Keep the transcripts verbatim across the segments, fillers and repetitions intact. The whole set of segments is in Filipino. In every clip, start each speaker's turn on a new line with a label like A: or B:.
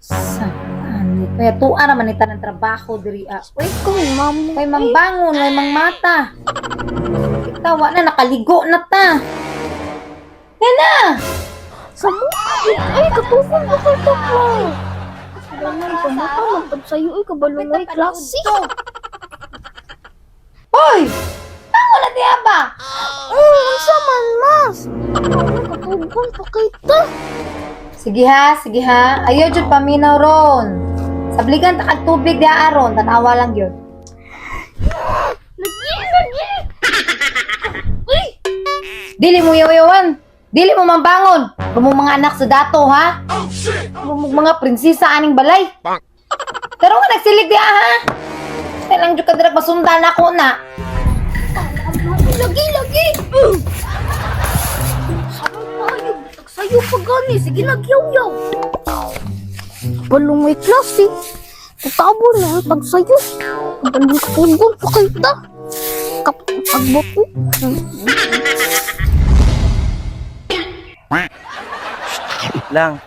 A: Saan? Kaya tuwa naman ita ng trabaho diri ah. Uy,
B: Ikaw, ma'am.
A: kay mambangon, may mang mata. Tawa na, nakaligo na ta. Yan na!
B: Sa mukha. Ay, katupon ko kay Takla. Kasalanan ko mo ka. Magpad sa'yo. Ay, kabalungay klase.
A: Hoy! Tango na diya ba?
B: Oh, ang saman, mas. Katupon pa kay Ta.
A: Sige ha, sige ha. Ayaw dyan paminaw ron. Sabligan ta kag tubig diya aron, tanawa lang yun.
B: Lagi, lagi. Uy!
A: Dili mo yaw-yawan. Dili mo mambangon. Kumong mga anak sa dato ha. Kumong mga prinsesa aning balay. Pero nga nagsilig diya ha. Kailang dyan ka dirag masundan ako na.
B: Lagi, lagi. Sarang tayo. Sa'yo pa gani. Sige, nagyaw-yaw. Balungay klase. Katabo na ay pag sa'yo. Balungay pa kay Ta. Kapag ko.
C: Lang.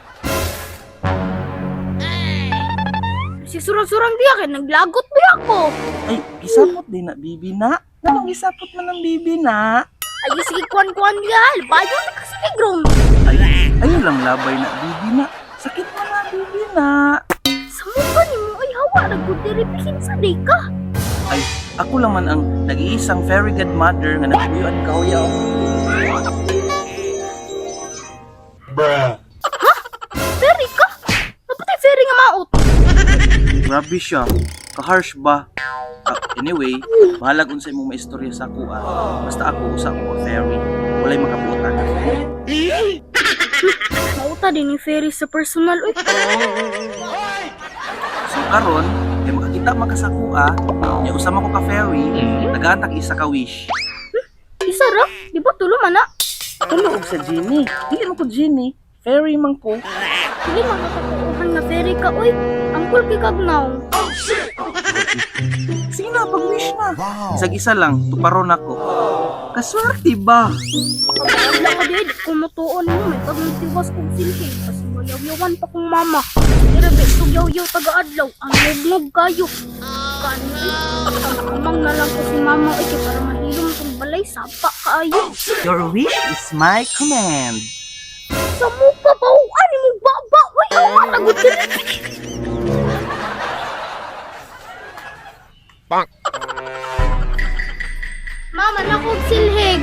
B: Si surang-surang diya kay naglagot ba ako?
C: Ay, gisapot din na bibi na. Anong gisapot man ng bibi na?
B: Ay, sige kuan-kuan diya. Bayo na kasi negrom.
C: Ay, ayun lang labay na bibi na. Sakit mo na bibi na.
B: Sa mukha ni mo ay hawa nagdiripihin sa day ka.
C: Ay, ako lang man ang nag-iisang fairy godmother nga naguyuan kauyaw.
B: Ferry ka? Napatay ferry nga maot.
C: Grabe siya. Ka-harsh ba? Ah, anyway, bahalag unsay mong maistorya sa ako ah. Basta ako usa ko ka fairy. Walay makabutan.
B: Mauta din ni ferry sa personal. Uy,
C: So karon, kay makakita man ka sa ako ah, nya usama ko ka fairy, nagaantag isa ka wish.
B: isa ra? Di ba tulo man na?
C: Tulo og sa genie. Dili mo ko genie. Fairy man ko.
B: Dili man katuuhan nga ferry ka. Uy, angkol kay kagnaw.
C: Sige na, pag-wish na. Isag-isa lang, tuparon ako. Kaswerte ba?
B: Wala ka di, di ko matuon mo. May pagmitiwas kong silhig. Kasi mayaw-yawan pa kong mama. Irabe, tugyaw-yaw taga-adlaw. Ang log-log kayo. Kani, amang na lang ko si mama. Ay, kaya para mahilom itong balay. Sapa kaayo.
C: Your wish is my command.
B: Sa mukha ba? Ani mo baba? Uy, awa, nagutin. Mama, nakog silhig.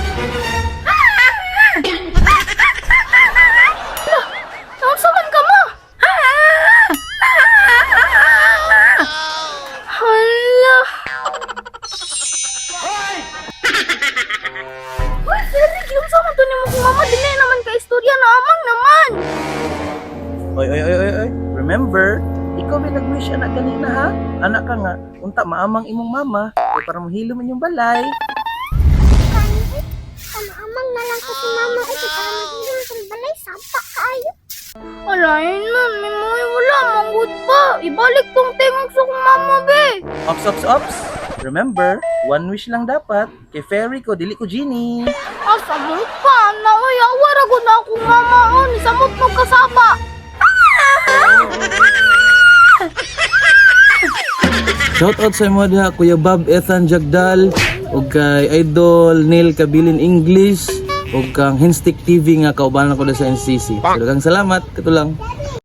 B: Saan saman ka mo? Hala. Uy, Ferrig, yung saman to ni mo kung mama, dili naman ka istorya na amang naman.
C: Oy, oy, oy, oy, oy. Remember, ikaw may nag-wish anak kanina ha? Anak ka nga, unta maamang imong mama, o para mahilo man yung balay.
B: Amang na lang kasi mama ay para magiging itong balay. Sapa kaayo. Alayin nun, may mga wala, manggod pa. Ibalik tong tingog sa kong mama, be.
C: Ops, ops, ops. Remember, one wish lang dapat. Kay fairy ko, dili ko genie.
B: Ah, samot pa. Naway, awara ko na akong mama. Oh, ni samot mo kasapa.
C: Shoutout sa mga diha, Kuya Bob Ethan Jagdal, ug kay Idol Neil Kabilin English, ug kang Hinstick T V nga kaubanan ko na sa N C C. Daghang salamat, kato lang.